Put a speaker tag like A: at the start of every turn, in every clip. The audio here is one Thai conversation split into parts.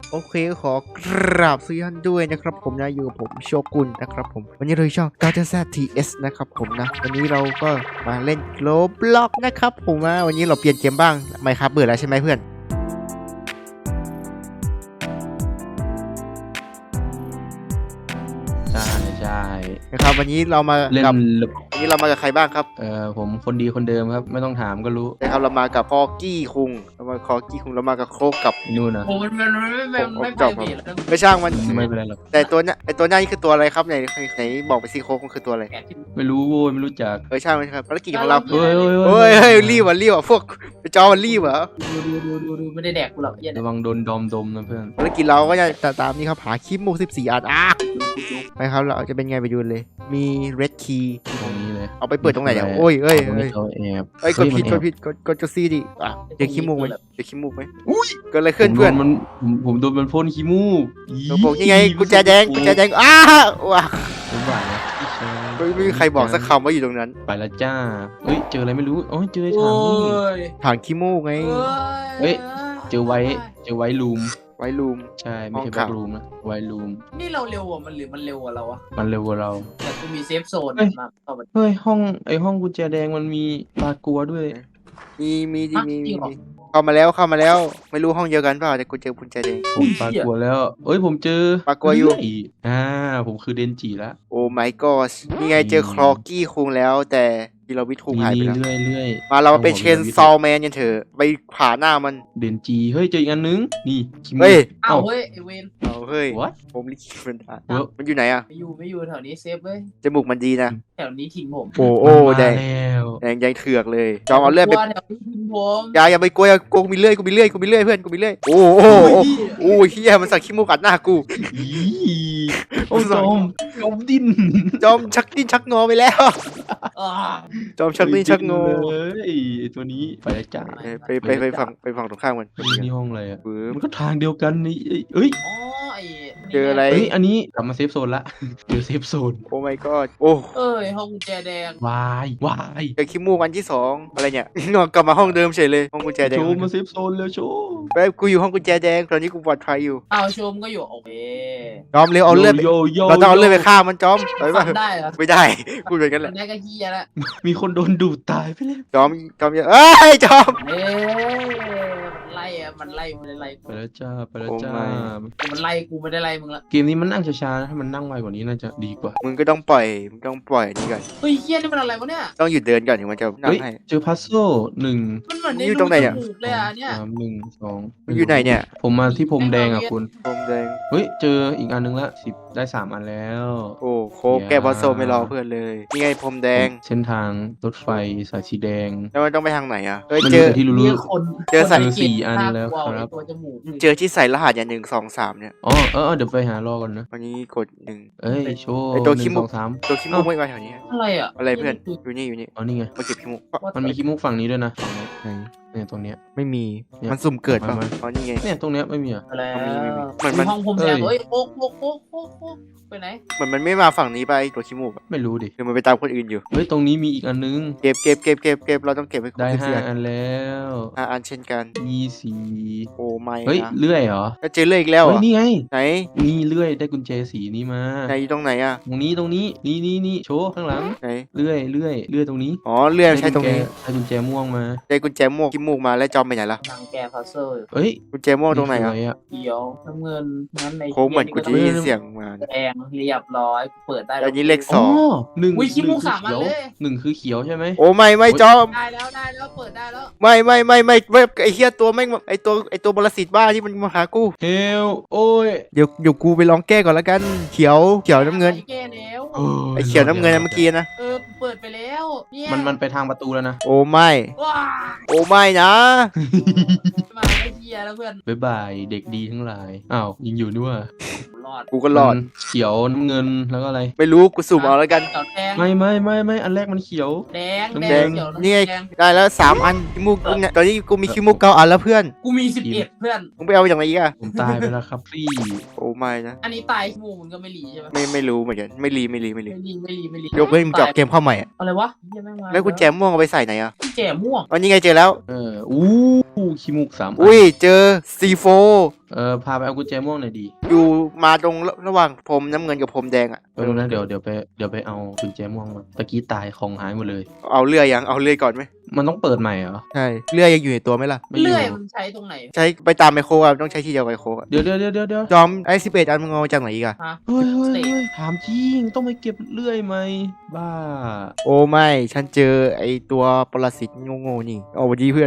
A: โอเคขอกราบสวัสดีท่านด้วยนะครับผมนะอยู่กับผมโชกุนนะครับผมวันนี้เราอยู่ช่องGTS นะครับผมนะวันนี้เราก็มาเล่นโ o บล็อกนะครับผมนะวันนี้เราเปลี่ยนเกมบ้างไม่ครับเบื่อแล้วใช่ไหมเพื่อน
B: ใช่
A: นะครับวันนี้เรามา
B: เล่น
A: กับวันนี้เรามากับใครบ้างครับ
B: ผมคนดีคนเดิมครับไม่ต้องถามก็รู้
A: นะครับเรามากับคอกี้คุงเรามากับโคกกับ
B: นู่นนะ
C: โอ้มันไม่ไปเบียดแล้ว
A: ไม่ช่างมัน
B: ไม่เป็นไรหรอก
A: แต่ตัวเนี้ยไอตัวหน้านี่คือตัวอะไรครับไหนบอกไปสิโคกมันคือตัวอะไร
C: แกะที่
B: ไม่รู้โว้ยไม่รู้จัก
A: ช่างมันครับภารกิจของเรา
B: เฮ้ย
A: เฮ้ยรีบว่ะพวกไปจอมันรีบเหรอ
C: ดูไม่ได้แดกกูหรอกเหี้ย
B: ระวังโดนดอมดมนะเพื่อน
A: ภารกิจเราก็จะตามนี้ครับหาคลิปมุก14 อันไปครับเราจะเป็นไงไปดูเลยมี red key
B: ตรงนี้เลย
A: เอาไปเปิดตรงไหนเนี่ยโอ้ยเอ้ย
B: ตรงนี้เขาแอบ
A: กดผิดกดจะซีดิเจอขี้มูกไหมเจอขี้มูกไหมเกิดอะไรขึ้นเพื่อน
B: ผมโดนมันพ่นขี้มูก
A: บอกยังไงกุญแจแดงว้า
B: ผมบ่ายนะ
A: ไม่มีใครบอกสักคำว่าอยู่ตรงนั้น
B: ไปแล้วจ้าเฮ้ยเจออะไรไม่รู้อ๋อเจอ
C: โอ้
B: ถังนี่
C: ย
A: ฐานขี้มูกไง
B: เจอไว้ลูม
A: ไว้รูม
B: ใช่ไม่ใช่
A: ห้
B: แบ็
A: องขัง
B: กลูมนะไว้ลูม
C: นี่เราเร็วอ่ะมันหรือมันเร็วกว่าเราอ่ะ
B: มันเร็วกว่าเรา
C: แต่กูมีเซฟโซน
B: เฮ้ย
C: มาเข้ามา
B: เฮ้ยห้องกุญแจแดงมันมีปลากลัวด้วย
A: มีเข้ามาแล้วไม่รู้ห้องเดียวกันเปล่าแต่กูเจอกุญแจแดง
B: ผมปลากลัวแล้วเอ้ยผมเจอ
A: ปลากลัวอยู่
B: เรื่ผมคือเดนจิละ
A: โอ้ my god นี่ไงเจอคลอกี้คุงแล้วแต่ที่เราวิทคุงหายไป
B: นี่
A: แล้ว
B: เรื่อย
A: มาเราเป็นเชนซอลแมนกันเถอะไปผ่าหน้ามัน
B: เดนจีเฮ้ยเจออีกอันนึงนี่คิมู
A: เฮ้ย
C: เอ้าเฮ้ยไอเวน
A: เอาเฮ้ย
B: what
A: ผมลิขิตมันได้
B: เว้ย
A: มันอยู่ไหนอะ
C: ไม่อยู่แถวนี้เซฟเว้ย
A: จมูกมันดีนะ
C: แถวนี้ทิ้งผม
A: โอ้
B: มัน
A: แด
B: มาง แล้ว
A: แดงเถือกเลยจอมเอาเลือดไป
C: แถวนี้ทิ้งผม
A: อย่าไปกลัวกูมีเลื่อยเพื่อนกูมีเลื่อยโอ้เฮียมันสักขี้มูกอัดหน้ากู
B: อีโอ้ยจมดิ้น
A: จอมชักดิ้นชักงอไปแล้ว
C: อ่า
A: จอมชักดิ้นชักงอ
B: เลยไอ้ตัวนี้ไปแล้วจ้า
A: ไปฝั่งตรงข้ามมัน
B: นี่ห้องอะไรอ่ะ
A: ปึ๊บ
B: มันก็ทางเดียวกันนี่เอ้ย
C: อ๋อไอ
A: เจออะไร
B: เฮ้ยอันนี้กลับมาเซฟโซนละเจอเซฟโซน
A: โอ้ my god โอ้
C: เอ้ยห้องกุญแจแดง
B: วาย
A: เจอขี้มูกอันที่สองอะไรเนี่ยงอกลับมาห้องเดิมเฉยเลยห้องกุญแจแดง
B: โชว์มาเซฟโซนแล้วโชว์
A: ไปกูอยู่ห้องกุญแจแดงตอนนี้กูปลอดภัยอยู่
C: อ้าวชมก็อยู่โอเค
A: จอมเร็วเอาเลือด
B: โย
A: เราต้องเอาเลือดไปฆ่ามันจอมไปป่ะ
C: ฟันได้เหรอ
A: ไม่ได้พูดเหมือนกันแห
C: ฟั
A: ละ
C: นได้ก็เฮียแล้ว
B: มีคนโดนดูดตายไปแล้ว
A: จอมอย่าเอ้ยจอม
C: เอ้ยมันไล่ไม่ได้ไล่
B: ไปแล้วจ้าไปแล้วจ้า
A: โอ้
C: มันไล่กูไม่ได้ไล่มึงละ
B: เกมนี้มันนั่งช้าๆนะถ้ามันนั่งไวกว่านี้น่าจะดีกว่า
A: มึงก็ต้องปล่อยนี่ก่อน
C: เฮ้ยเฮียนี่มันอะไรวะเนี่ย
A: ต้องหยุดเดินก่อนถึงมันจะนั่ง
B: เฮ้ย
A: ให้
B: เจอพัซโซหนึ่ง
C: มันเหมือนใน
A: อยู่ตรงไหนเนี่ย
C: รูจมูกเลยอ่ะเนี่ย
B: สามหนึ่งสอง
A: มันอยู่ไหนเนี่ย
B: ผมมาที่พรมแดงอ่ะคุณ
A: พรมแดง
B: เฮ้ยเจออีกอันนึงละ10ได้3อันแล้ว
A: โอ้โคกแกบอสโซไม่รอเพื่อนเลยนี่ไงพรมแดง
B: เส้นทางรถไฟสายสีแดง
A: แล้วมันต้องไปทางไหนอ่ะเฮ้ย
B: มัน
A: เจ
B: มี
A: อ
B: แต่ที่รู้
C: มีคน
A: เจอใส่
C: คน
B: สี่
C: กรีด
B: อัน
C: หา
B: แล้ว
C: กว
B: ครับ
C: ไอ้ตัวจมูก
A: เจอที่ใส่รหัสอย่าง1 2 3เนี่ย
B: อ๋อเดี๋ยวไปหารอก่อนนะ
A: วันนี้กด1
B: เอ้ยโชว์
A: ไอ้ตัว
B: ห
A: ขี้
B: นึ่ง
A: มุ
B: ส
A: ก
B: องสาม
A: ตัวขี้มูกไม่มาแถวนี้
C: อะไรอ่ะ
A: อะไรเพื่อนอยู่นี่
B: อ๋อนี่ไง
A: มาเก็บขี้มูก
B: มันมีขี้มุกฝั่งนี้ด้วยนะฝั่งนี้
A: ไหน
B: เนี่ยตรงเนี้ย
A: ไม่มี
B: เนี่ย
A: มันสุ่มเกิดป่ะ
B: มา
A: อ๋อนี่ไง
B: เนี่ยตรงเนี้ยไม่มีอ่ะ
C: อะไร
A: มัน
C: ห้องผมแดง
B: เอ้ย
C: เฮ้ยโอ๊กไปไหน
A: เหมือนมันไม่มาฝั่งนี้ไปตัวขี้มูกอะ
B: ไม่รู้ดิ
A: หรือมันไปตามคนอื่นอยู่
B: เฮ้ยตรงนี้มีอีกอันนึง
A: เก็บเราต้องเก็บให้ครบ
B: ได้
A: 14
B: 5 อันแล้ว
A: อันเช่นกัน
B: 24
A: โอ้ไม่
B: เฮ้ย
A: นะ
B: เลื่อยเหรอ
A: แล้วเจอเลื่อยอีกแล้วเหร
B: เฮ้ย
A: อ่ะ
B: นี่ไง
A: ไหน
B: นี่เลื่อยได้กุญแจสีนี้มา
A: ไหนอยู่ตรงไหนอ่ะ
B: ตรงนี้นี่โชว์ข้างหลัง
A: ไหน
B: เลื่อยตรงนี้
A: อ๋อเลื่อยใช้ตรงนี้
B: ได้กุญแจม่วงมา
A: ได้กุญแจม่วงขี้มูกมาแล้วจอมไปไหนล่ะ
C: นางแกพัซเซอร์
B: เฮ้ย
A: กุญแจม่วงตรงไหนอ่ะ
B: คืออะ
C: เขียวน้ำเงินนั้นใน
A: โค้งเหมือนกูจะได้ยินเสียงมา
C: แดงเรียบร้อยเปิดได้
A: อันนี้เลข สอง
B: หนึ่ง
C: อุ้ยขี้มูก
B: คือ
C: สามอัน
B: เขียว
C: เลย
B: หนึ่งคือเขียวใช่ไหม
A: โอ้ไม่จอม
C: ได้แล้วเปิดได้แล้ว
A: ไม่ไอ้เหี้ยตัวแม่งไอ้ตัวบรสิตบ้าที่มันมาหากู
B: เฮลโอ้ย
A: เดี๋ยวกูไปลองแก้ก่อนแล้วกันเขียวน้ำเงิน
C: แก้แล้ว
A: ไอ้เขียวน้ำเงินนะเมื่อกี้นะ
C: เปิดไปแล้วเนี่ย
B: มันไปทางประตูแล้วนะ
A: โอ้ไม่
C: ว้า
A: โอ้ไม่นะ
C: มาไอ้เหี้ยแล้วเพื่อน
B: บ๊ายบายเด็กดีทั้งหลายอ้าวยิงอยู่ด้วย
C: รอด
A: กูก็รอด
B: มันเขียวน้ำเงินแล้วก็อะไร
A: ไม่รู้กูสุ่มเอาแล้วกัน
C: เขียวแดง
B: ไม่อันแรกมันเขียว
C: แดง
A: แดง
C: เขียว
A: นี่ไง
C: แดง
A: ได้แล้ว3 อันขี้มูกกูเนี่ยตอนนี้กูมีขี้มูก9 อันแล้วเพื่อน
C: กูมี11เพื่อน
A: มึงไปเอามาจากไหนอีกอะ
B: ผมตายไปแล้วครับพี่
A: โอ้ไม่นะ
C: อันนี้ตายหมูมันก็ไม่หลีใช่ไหม
A: ไม่รู้เหมือนกันไม่รี
C: ไม่หลี
A: ยกเว้นมึงจะเอาเกมเข้าใหม่อะ
C: อะไรวะเหี้ยแม่งมา
A: แล้วกุญแจม่วงเอาไปใส่ไหนอะ
C: กุญแจม่วง
A: อ๋อนี่ไงเจอแล้ว
B: อู้ขี้มูก3
A: อุ้ยเจอ C4
B: พาไปเอากุญแจม่วงหน่อยดี
A: อยู่มาตรงระหว่างพรมน้ำเงินกับพรมแดงอ่ะ
B: ไปดูนะเดี๋ยวไปเอากุญแจม่วงมาตะกี้ตายของหายหมดเลย
A: เอาเลื่อยยังเอาเลื่อยก่อนไหม
B: มันต้องเปิดใหม่เหรอ
A: ใช่เลื่อยยังอยู่ในตัวไหมล่ะ
B: ไม่อยู่
C: เลื่อยมันใช้ตรงไหน
A: ใช้ไปตามไมโครอ่ะต้องใช้ที่เดียวกับไมโครอะ
B: เดี๋ยว
A: จอมไอ้11 อันมึงเอามาจากไหนอีกอะ
C: ฮะ
B: เฮ้ยถามจริงต้องไปเก็บเลื่อยไหมบ้า
A: โอ้ไม่ฉันเจอไอ้ตัวปรสิตโง่ๆนี่เอาวันดีเพื่อน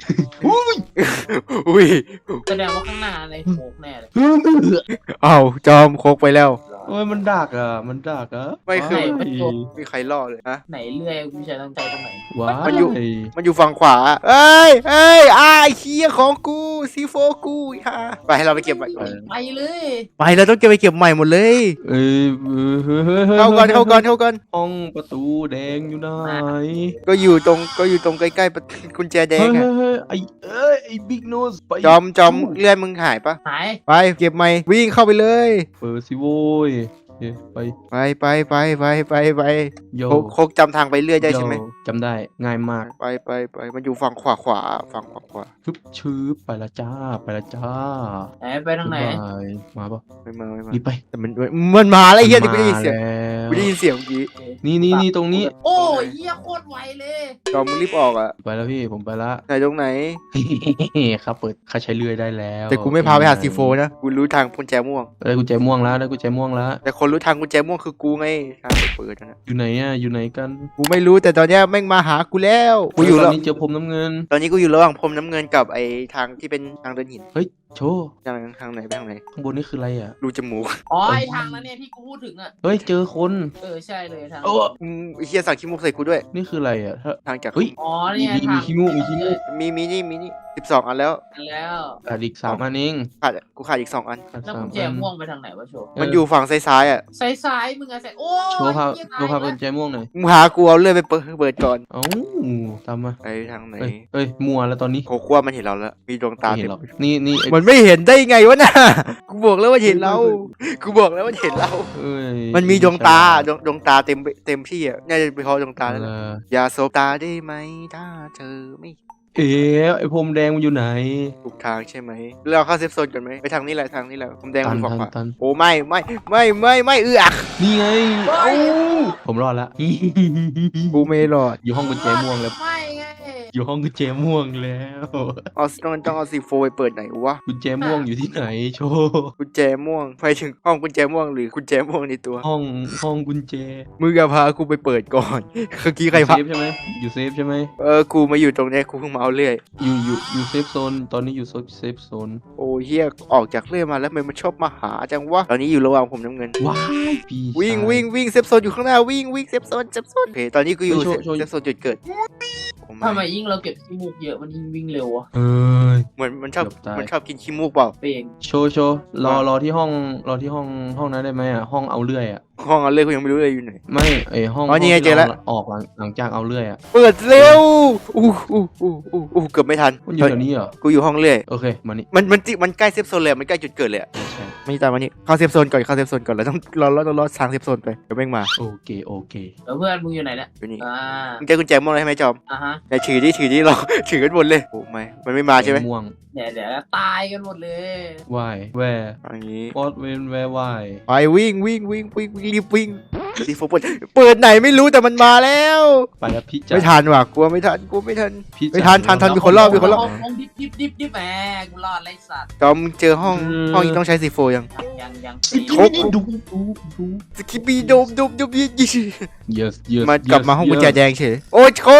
A: อุ้ย
C: แสดงว่าข้างหน้าในโคกแน่เลย
A: เอาจอมโคกไปแล้ว
B: โอ้ยมันดักอ่ะมันดักอ่ะ
A: ไม่คือ
B: ว้าย
A: มีใครล่อเลยนะ
C: ไหนเลื่อยกูใช้ต้องใช้ตรงไหน
B: ว้าย
A: มันอยู่ฝั่งขวาเอ้ยไอ้เคียของกูซีโฟกูฮะไปให้เราไปเก็บใหม่
C: ไปเลย
A: ไปเราต้องเก็บไปเก็บใหม่หมดเลย
B: เอ้ย
A: เข้าก่อน
B: ห้องประตูแดงอยู่ไหน
A: ก็อยู่ตรงใกล้ๆประตูกุญแจแดงอะ
B: เฮ้ยไอ้บิ๊กโนสไป
A: จอมเลื่อนมึงหายปะ
C: หาย
A: ไปเก็บใหม่วิ่งเข้าไปเลย
B: เปิดสิโว้ยไป
A: ไป
B: โย
A: โคกจำทางไปเรื่อยได้ใช่ไหม
B: โยจำได้ง่ายมาก
A: ไปมันอยู่ฝั่งขวาฝั่งขวา
B: ชุบชืบไปละจ้า
C: ไหนไปทางไหน
B: บ๊ายบายมาปะ
A: ไม่มา
B: รีบไป
A: แต่มันมาแล้วไอ้เหี้ยที่กูได้ยินเสียง
B: มาแล้ว
A: กูได้ยินเสียงเมื่อกี้
B: นี่ตรงนี้
C: โอ้ยเหี้ยโคตรไวเลย
A: จอมมึงรีบออกอ่ะ
B: ไปแล้วพี่ผมไปละ
A: ไหนตรงไหน
B: ครับเปิดข้าใช้เลื่อยได้แล้ว
A: แต่กูไม่พาไปหาซีโฟนะกูรู้ทางกุญแจม่วง
B: ได้กุญแจม่วงแล้วได้กุญแจม่วงแล้ว
A: แต่คนรู้ทางกุญแจม่วงคือกูไงทางเปิดนะ
B: อยู่ไหนอ่ะอยู่ไหนกัน
A: กูไม่รู้แต่ตอนเนี้ยแม่งมาหากูแล้วกูอยู่
B: ต
A: แล้
B: อ
A: วน
B: นี้เจอผมน้ำเงิน
A: ตอนนี้กูอยู่ระหว่างพรมน้ำเงินกับไอ้ทางที่เป็นทางเดินหิน
B: เฮ้ยโชว์
A: ทางไหนไปทางไหน
B: ข้างบนนี่คืออะไรอ่ะ
A: รูจมูก
C: อ๋อไอทางนั้นเนี่ยที่กูพูดถึงอ่ะ
B: เฮ้ยเจอคน
C: ใช่เลยทาง
B: โอ้
A: ไอ้เหี้ยสั่งขี้มูกใส่กูด้วย
B: นี่คืออะไรอ่ะถ้า
A: ทางจาก
B: เฮ้ย
C: อ๋อ
B: มี
C: เนี่ย
B: มี
C: ทาง
B: ขี้มูกมีขี้มูก
A: มีนี่12 อันแล้ว
C: แล้ว
B: อีก3 อันเอง
A: กูขาดอีก2 อัน
C: แล้วกุญแจม่วงไปทางไหนวะโชว์
A: มันอยู่ฝั่งซ้ายๆอ่ะ
C: ซ้ายมึงอะใส่โอ้
B: โชว์พา
C: เหี้ย
B: โชว์พา
C: ตาย
B: กุญแจม่วงหน่อย
A: มึงหากูเอาเลื่อยไปเปิดก่อน
B: เอ้าตามมา
A: ไปทางไหน
B: เอ้ยมัวแล้วตอนนี้
A: โคขั้วมันเห็นเราแล้ว มีดวงตา
B: ไม่เห็น
A: เต็ม
B: หรอกนี่ไอ้
A: มันไม่เห็นได้ไงวะน่ะ กูบอกแล้วว่าเห็นเรา กูบอกแล้วว่าเห็นเรา
B: เอ้ย
A: มันมีดวงตาดวงตาเต็มที่อ่ะน่าจะเป็นเพราะดวงตาแล้วแหละอย่าสบตาได้ไหมถ้าเธอไม่
B: เอ๊ะไอ้พรมแดงมันอยู่ไหน
A: ถูกทางใช่ไหมเราเข้าเซฟโซนกันไหมไปทางนี้แหละผมแดง
B: ตั
A: มัน นขวา
B: ตัน
A: โอ้ไม่เอือก
B: นี่ไง
C: เฮ้ย
B: ผมรอดละ
A: กูไม่รอด
B: อยู่ห้องกุญแจม่วงแล้ว
C: ไม่ไง
B: อยู่ห้องกุญแจม่วงแล้ว
A: ต้องเอาซีโฟไปเปิดไหนวะ
B: กุญแจม่วงอยู่ที่ไหนโชว์
A: กุญแจม่วงไปถึงห้องกุญแจม่วงหรือกุญแจม่วงในตัว
B: ห้องกุญแจ
A: มึงอย่าพากูไปเปิดก่อนเมื่อกี้ใคร
B: อยู่
A: พา
B: เซฟใช่ไหมอยู่เซฟใช่ไหม
A: กูมาอยู่ตรงเนี้ยกูเพิ่งมาเอาเรื่อย
B: อยู่เซฟโซนตอนนี้อยู่เซฟโซน
A: โอ้เฮียออกจากเรื่อยมาแล้วมันชอบมาหาจังวะตอนนี้อยู่ระหว่างผมน้ำเงิน
B: ว้ายปีศาจ
A: วิ่งเซฟโซนอยู่ข้างหน้าวิ่งเซฟโซนโอเคตอนนี้กูอยู่
B: โชว์
A: เซฟโซนจุดเกิดโอ้
C: ทำไม
A: ไม่
C: ยิ่งเราเก็บขี้มูกเยอะมันยิ่งวิ่งเร็วอะ
B: เอ้ย
A: เหมือนมันชอบ
B: เกือบตาย
A: มันชอบกินขี้มูกเปล่า
C: เปลง
B: โชว์รอที่ห้องนั้นได้ไหมอ่ะห้องเอาเลื่อยอ่ะ
A: ห้องเอาเรื่อยกูยังไม่รู้เลยอยู่ไหน
B: ไม่ไอห้อง
A: อ๋อนี่ไง
B: ที่
A: เจอแล้ว
B: ราออกหลังจากเอาเลื่อยอ่ะ
A: เปิดเร็วเกือบไม่ทัน
B: มันอยู่แถวนี้เหรอ
A: กูอยู่ห้องเรื่อย
B: โอเคมานี่
A: มันใกล้เซฟโซนเลยมันใกล้จุดเกิดเลยอะ
B: ใช่
A: ไม่ตามมานี่เข้าเซฟโซนก่อนแล้วต้องรอทางเซฟโซนไปเดี๋ยวแม่งมา
B: โอเค
C: แล้วเพื่อนมึงอยู่ไหนเนี่ย
A: อยู่นี่
C: อ่า
A: มึงเจอกุญแจม่วงเลยใช่ไหมจอม
C: อ่ะฮะ
A: ไหนถือดิเรา ถือกันหมดเลยโอ้ไม่มันไม่มาใช่ไหม
B: ม่วง
C: เดี๋ยวตายกันหมดเลย
B: วายแวร์
A: อย่างนี้
B: วอตเวนแวร์วาย
A: ไปวิ่งรีบวิ่งซีโฟเปิดไหนไม่รู้แต่มันมาแล้ว
B: ไปแล้วพี่จ๋า
A: ไม่ทันว่ะกลัวไม่ทัน
B: พี่
A: ไม่
B: จ๋า
A: ทันมีคนรอบมีคนรอบ
C: ห้องดิบแหมกูรอดไรสัตว์
A: จอมมึงเจอห้องนี้ต้องใช้ซีโฟยัง
C: ยัง
A: โคก
B: ดู
A: สกิปปี้โดมยี่
B: yes
A: มันกลับมาห้องกุญแจแดงเฉยโอ้ยโค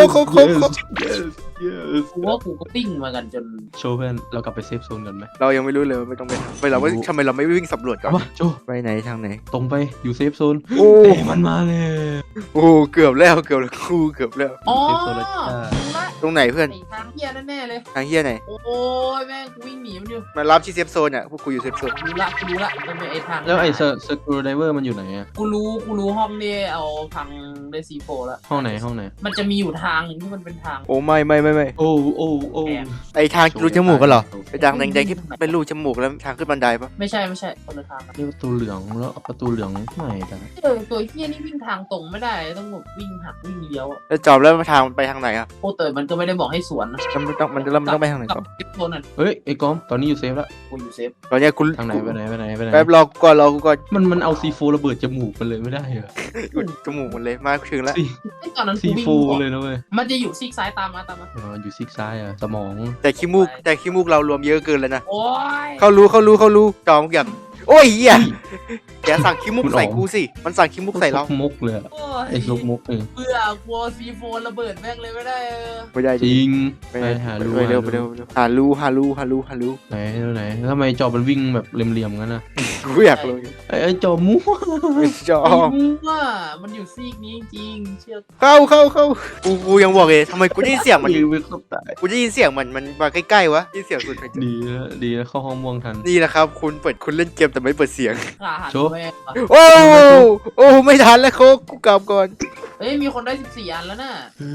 C: กูว่ากูก็ปิ้งมากันจน
B: โชว์เพื่อนเรากลับไปเซฟโซนกันไหม
A: เรายังไม่รู้เลยไม่ต้องไปเราไม่ทำไมเราไม่วิ่งสำรวจก่อน
B: เอาปะโชว์
A: ไปไหนทางไหน
B: ตรงไปอยู่เซฟโซน
A: โอ้
B: เอ้ยมันมาเลย
A: โอ้เกือบแล้วกูเกือบแล้ว
C: อ๋อ
B: เซฟโซนแล้วจ้า
C: รู้ละ
A: ตรงไหนเพื่อน
C: ไอ้ทางเฮียแน่ๆเลย
A: ทางเฮียไหน
C: โอ้ยแม่งกูวิ่งหนีมันอยู่
A: มารับที่เซฟโซนอ่ะพวกกูอยู่เซฟโซน
C: รู้ละมันเป็นไอ้ทาง
B: แล้วไอ้สกูไดเวอร์มันอยู่ไหนอะ
C: กูรู้ห้องนี้เอาพังได้ซีโฟแล้ว
B: ห้องไหน
C: มันจะมีอยู่ทางหนึงที่มันเป็นทาง
A: โอ้ไม่
B: โอ้
A: ไอทางรูจมูกกันเหรอไอทางแดงๆที่เป็นรูจมูกแล้วทางขึ้นบันไดปะ
C: ไม่ใช่คนละทาง
B: นี่ประตูเหลืองแล้วประตูเหลืองไหนกัน
C: ตัวเฮียนี่วิ่งทางตรงไม่ได้ต้องแบบวิ่งหักวิ่งเลี้ยวอะ
A: แล้วจอมแล้วทางมันไปทางไหนอ่ะ
C: โอ้แต่มันก็ไม่ได้บอกให้สวนนะ
A: มันต้องไปทางไหน
C: กั
A: ต่
C: บ
A: อ
C: เซฟโซนน่ะ
B: เฮ้ยไอ้กอมตอนนี้อยู่เซฟแล้ว
C: กูอยู่เซฟ
A: ตอนเนี้ยคุณ
B: ทางไหนไปไหนไปไหนไปไหน
A: แป๊บรอกูก่อน
B: มันเอาซีโฟระเบิดจมูกมันเลยไม่ได้เหรอ
A: อุดจมูกหมดเลยมาถึงแล้ว
C: ไอ้ตอนนั้น
B: ซี
C: กูวิ่ง
B: โฟเลยนะเว้ย
C: มันจะอยู่ซีกซ้ายตามมา
B: อ๋ออยู่ซีกซ้ายอ่ะสมอง
A: แต่ขี้มูกเรารวมเยอะเกินเลยนะ
C: โอ้ย
A: เขารู้จอมอยากโอ้ยเหี้ยอย่าสั่งขี้มูกใส่กูสิมันสั่งขี้มูกใส่เรา
B: มุกเลยอะ
C: โอ้ย
B: ไอ้ซุกมุกเอง
C: เบื่อกลัวซีโฟนระเบิดแม่งเลยไม่ได้
A: ไม่ได้
B: จริง
A: ไม่
B: ไป
A: ได้
B: หาลู
A: ไปเร็วหาลู
B: ไหนแล้วทำไมจอมันวิ่งแบบเหลี่ยมๆงั้นนะ
A: กูอยากรู้
B: ไอ้จอมั่ว
A: จอ
C: ไม่รู้ว่ามันอยู่ซีกนี้จริงเชื่อ
A: เข้ากูยังบอกเลยทำไมกูได้ยินเสียงมัน
B: ยืนไปครบตาย
A: กูได้ยินเสียงมันมาใกล้ๆวะได้ยินเสียงสุดไป
B: ดีนะเข้าห้องม่วงทัน
A: นี่นะครับคุณเล่นเกมแต่ไม่เปิดเสียง
C: ขาหัน
B: โชว์
C: แม่งว่ะ
A: โอ้ไม่ทันแล้วโคกกูกลับก่อน
C: เฮ้ยมีคนได้14อันแล้วน่ะ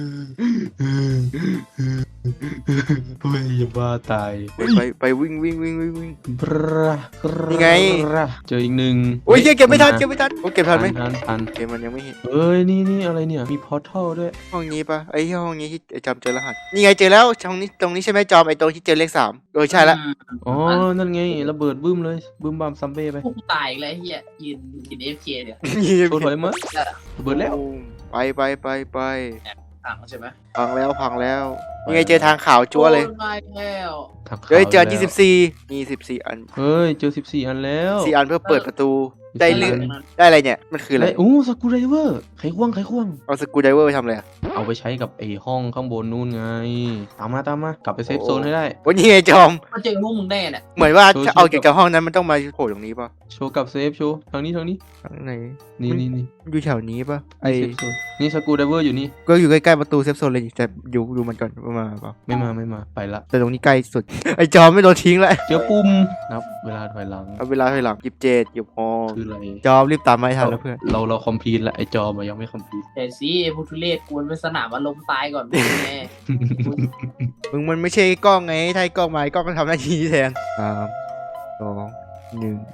B: เฮ้ยอย่าบ้าตาย
A: ไปวิ่ง
B: บรา
A: นี่ไง
B: เจออีกหนึ่ง
A: โอ้ยเก็บไม่ทันโอ้เก็บทันไหม
B: ทัน
A: เกมมันยังไม่เห็น
B: เอ้ยนี่อะไรเนี่ยมีพอร์ทัลด้วย
A: ห้องนี้ปะไอ้ห้องนี้ที่จำเจอรหัสนี่ไงเจอแล้วตรงนี้ใช่ไหมจอมไอ้ตรงที่เจอเลข3ใช่ละ
B: อ๋อนั่นไงระเบิดบึ้มเลยบึ้มบามซัมเบ้ไป
C: พวกกูตายอีกแล้วไอ้เฮียยืนกิน AFK เนี่ย
B: โชว์ถอยมาระเบิดแล้ว
A: ไป
C: ถังใช่ไหม
A: พังแล้วนี่ไงเจอทางขาวจั๊วเลย
C: โอ้มาอีกแล้ว
B: ทางขาว
A: เฮ้ยเจอ
B: แล้ว
A: 24มี14อัน
B: เฮ้ยเจอ14อันแล้ว
A: 4อันเพื่อเปิดประตูได้เลือด
C: ตรงนั้น
A: ได้อะไรเนี่ยมันคืออะไร
B: โอ้สกูไดเวอร์ไขควง
A: เอาสกูไดเวอร์ไปทำอะไรอะ
B: เอาไปใช้กับไอ้ห้องข้างบนนู่นไงตามมากลับไปเซฟโซนให้ได้
A: โอ้ยนี่ไงจอม
C: มาเจอพวกมึงแน่เนี่ย
A: เหมือนว่าถ้าเอาเกี่ยวกับห้องนั้นมันต้องมาโผล่ตรงนี้ป่ะ
B: โชว์กับเซฟโชว์ทางนี้
A: ทางไหน
B: นี่
A: มันอยู่แถวนี้ป่ะไอ
B: เซฟโซนนี่สกูไดเวอร์อยู่นี่
A: ก็อยู่ใกล้ๆประตูเซฟโซนเลยแต่ดูมันก่อนว่ามาเปล่า
B: ไม่มาไปละ
A: แต่ตรงนี้ใกล้สุด ไอจอมไม่โดนทิ้งแล้ว
B: เจอปุ่มนับเวลาถอยหลัง
A: เอาเวลาให้หลัง27หยิบพอ
B: คืออะไร
A: จอมรีบตามมาให้ทันแล้วเพื่อน
B: เราคอมพลีทละไอ้จอมันยังไม่คอมพลีท
C: แต่สิไอ้พวกทุเรศกวนเป็นสนามอารมณ์ตายก่อนแน่
A: มึงมันไม่ใช่กล้องไงถ้าให้กล้องมาไอ้กล้องก็ทำหน้าที่แทน3 2 1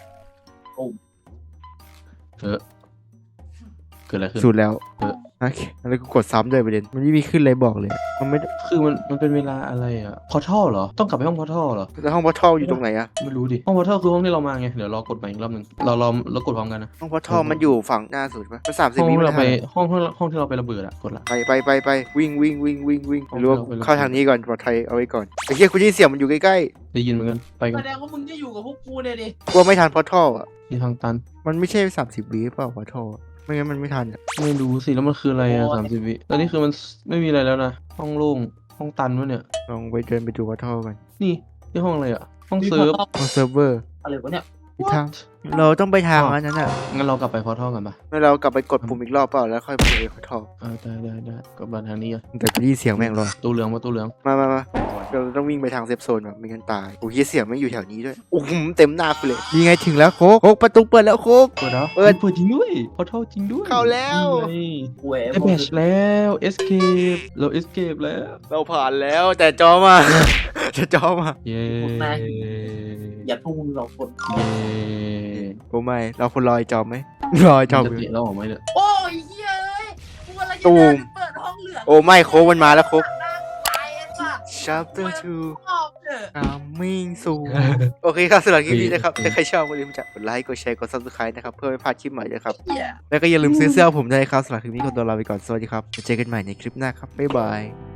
B: เกิดอะไรขึ้น
A: สุดแล้ว
B: เออ
A: โอเคแล้วกูกดซ้ำด้วยประเด็นมันไม่มีขึ้นเลยบอกเลยมันไม่
B: คือมันเป็นเวลาอะไรอ่ะพอทัลเหรอต้องกลับไปห้องพอทัลเหรอ
A: แล้วห้องพอทัลอยู่ตรงไหนอะ
B: ไม่รู้ดิห้องพอทัลคือห้องที่เรามาไงเดี๋ยวรอกดใหม่อีกรอบหนึ่งเรากดพร้อมกันนะ
A: ห้องพอทัลมันอยู่ฝั่งหน้าสุดปะมัน30
B: ห้อง
A: วิ
B: ที่เราไป
A: ม่ด้
B: ห้องที่เราไประเบิดอะกดละ
A: ไปวิ่งไม่รู้ว่า
B: เอาไปเลย
A: เข้าทางนี้ก่อนปลอดภัยเอาไว้ก่อนไอ้เหี้ยคุณได้ยินเสียงมันอยู่ใกล้
B: ได้ยินเหมือนกันไปกั
C: แส
B: น
C: ดงว่ามึงจะอยู่กับพวกกูเนี่ยดิ
A: ๆกลัวไม่ทันพอทัลอะ
B: นี่ทางตัน
A: มันไม่ใช่30 วิเปล่าพอทัลอะไม่งั้นมันไม่ทันอะ
B: ไม่รู้สิแล้วมันคืออะไรอะ30 วิแล้วนี่คือมันไม่มีอะไรแล้วนะห้องโล่งห้องตันวะเนี่ย
A: ลองไปเดินไปดูพอทัลกัน
B: นี่ห้องอะไรอะห้อง
C: มี
B: เซิร์ฟ
A: ห้องเซิร์ฟเวอร์
C: อะไรวะเนี่ย
A: อีกทางเราต้องไปทางนั้นน่ะ
B: งั้นเรากลับไปพอทัลกันปะ
A: แล้วเรากลับไปกดปุ่มอีกรอบเปล่าแล้วค่อยไปพอทัล
B: ได้กลับมาทางนี้อะ
A: แต่กูได้ยินเสียงแม่งรอ
B: ตู้เหลืองมาตู้เหลือง
A: มาเราต้องวิ่งไปทางเซฟโซนแบบไม่งั้นตายโอ้ยเสียงไม่อยู่แถวนี้ด้วยโอ้โหเต็มหน้ากูเลยนี่ไงถึงแล้วโคกประตูเปิดแล้วโคก
B: เปิดแล้ว
A: เปิด
B: จริงด้วยพอทัลจริงด้วย
A: เข้าแล้ว
B: นี่
C: เว้ย
B: ไงได้แบชแล้วเอสเคปเราเอสเคปแล้ว
A: เราผ่านแล้วแต่จอมา จะจอมา
B: เย้
C: อย่าพวกมึงสองคน
B: เย้
A: โอ้ไม่เราคนรอยจอมไหมรอยจอม
B: จะเตะเราออกไหมเนี่ย
C: โอ้ยเฮียเอ้ยกูกำลังจะ
A: ตู
C: เดิ
A: ม
C: นเปิดห้องเหลือง
A: โอ้ไม่โคกมันมาแล้วโคก
C: ตายไอ้สัส
A: chapter 2
C: ชอบเถอะ
A: coming soon โอเคครับสำหรับคลิปนี้นะครับถ้าใครชอบอย่าลืมกดไลค์กดแชร์กด subscribe นะครับเพื่อไม่พลาดคลิปใหม่นะครับ
C: เฮีย
A: แล้วก็อย่าลืมซื้อเสื้อผมด้วยนะครับสำหรับคลิปนี้ขอตัวลาไปก่อนสวัสดีครับเจอกันใหม่ในคลิปหน้าครับบ๊ายบาย